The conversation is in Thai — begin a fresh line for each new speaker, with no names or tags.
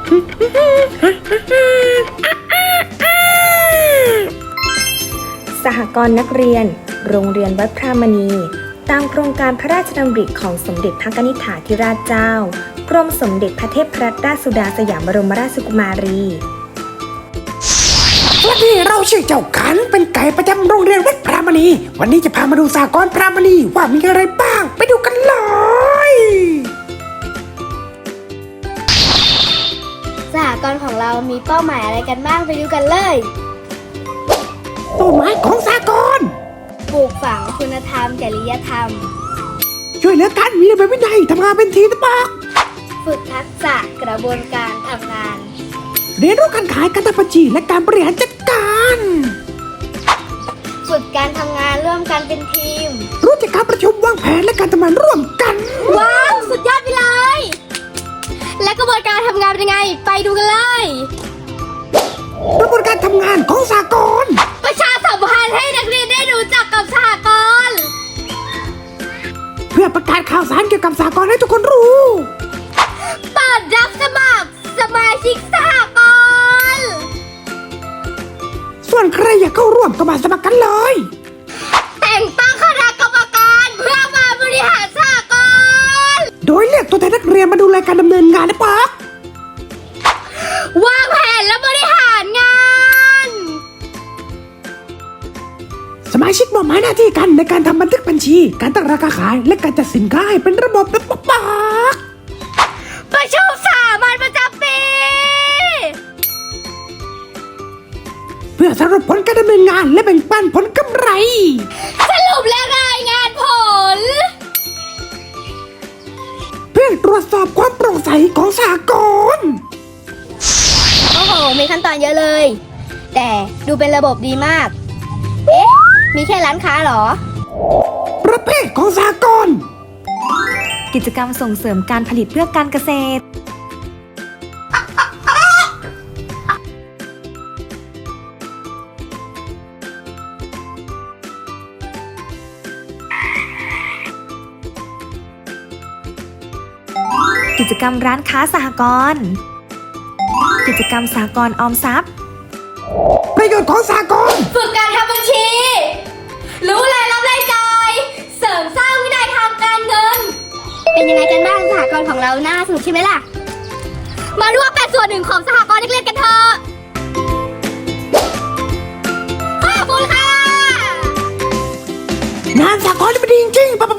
สหกรณ์นักเรียนโรงเรียนวัดพระมณีตามโครงการพระราชดำริของสมเด็จพระนิธิธิราชเจ้ากรมสมเด็จพระเทพรัตนราชสุดาสยามบรมราชกุมารี
วันนี้เราชื่อเจ้าขันเป็นไก่ประจำโรงเรียนวัดพระมณีวันนี้จะพามาดูสหกรณ์พระมณีว่ามีอะไรบ้างไปดูกันเลย
สหกรณ์ของเรามีเป้าหมายอะไรกันบ้างไปดูกันเลย
เป้าหมายของสหกรณ์
ปลูกฝังคุณธรรมจริยธรรม
ช่วยเหลือกันมีระเบียบวินัยทำงานเป็นทีมนะบอก
ฝึกทักษะกระบวนการทำงาน
เรียนรู้การขายการทำบัญชีและการบริหารจัดการ
ฝึกการทำงานร่วมกันเป็นทีม
รู้จักการประชุมวางแผนและการทำงานร่วมกัน
ว้าวสุดยอดไปเลยและกระบวนการทำงานเป็นยังไงไปดูกันเลย
กระบวนการทำงานของสหกรณ์
ประชาสัมพันธ์ให้นักเรียนได้รู้จักกับสหกรณ์
เพื่อประกาศข่าวสารเกี่ยวกับสหกรณ์ให้ทุกคนรู้
เปิดรับสมัครสมาชิกสหกรณ์
ส่วนใครอยากเข้าร่วมก็มาสมัครกันเลย
แต่งตั้งคณะกรรมการเพื่อมาบริหารสหกรณ์
โดยเรียกตัวแทนนักเรียนมาดูแลการดำเนินงานนะป๊อก
วางแผนและบริหารงาน
สมาชิกมอบหมายหน้าที่กันในการทำบันทึกบัญชีการตั้งราคาขายและการจัดสินค้าให้เป็นระบบนะป๊อก
ประชุมสามัญประจำปี
เพื่อสรุปผลการดำเนินงานและแบ่งปันผลกำไร
สรุปและรายงานผล
เพื่อตรวจสอบความโปร่งใสของสหกรณ์
โอ้โหมีขั้นตอนเยอะเลยแต่ดูเป็นระบบดีมากเอ๊ะมีแค่ร้านค้าเหรอ
ประเภทของสหกรณ์
กิจกรรมส่งเสริมการผลิตเพื่อการเกษตรกิจกรรมร้านค้าสหกรณ์กิจกรรมสหกรณ์ออมทรัพย์
ประโยชน์ของสหกรณ์
ฝึกการทำบัญชีรู้รายรับรายจ่ายเสริมสร้างวินัยทางการเงินเป็นยังไงกันบ้างสหกรณ์ของเราน่าสนุกใช่ไหมล่ะมาร่วมเป็นส่วนหนึ่งของสหกรณ์นักเรียนกันเถอะขอบคุณค่ะ
งานสหกรณ์นี่มันดีจริงๆ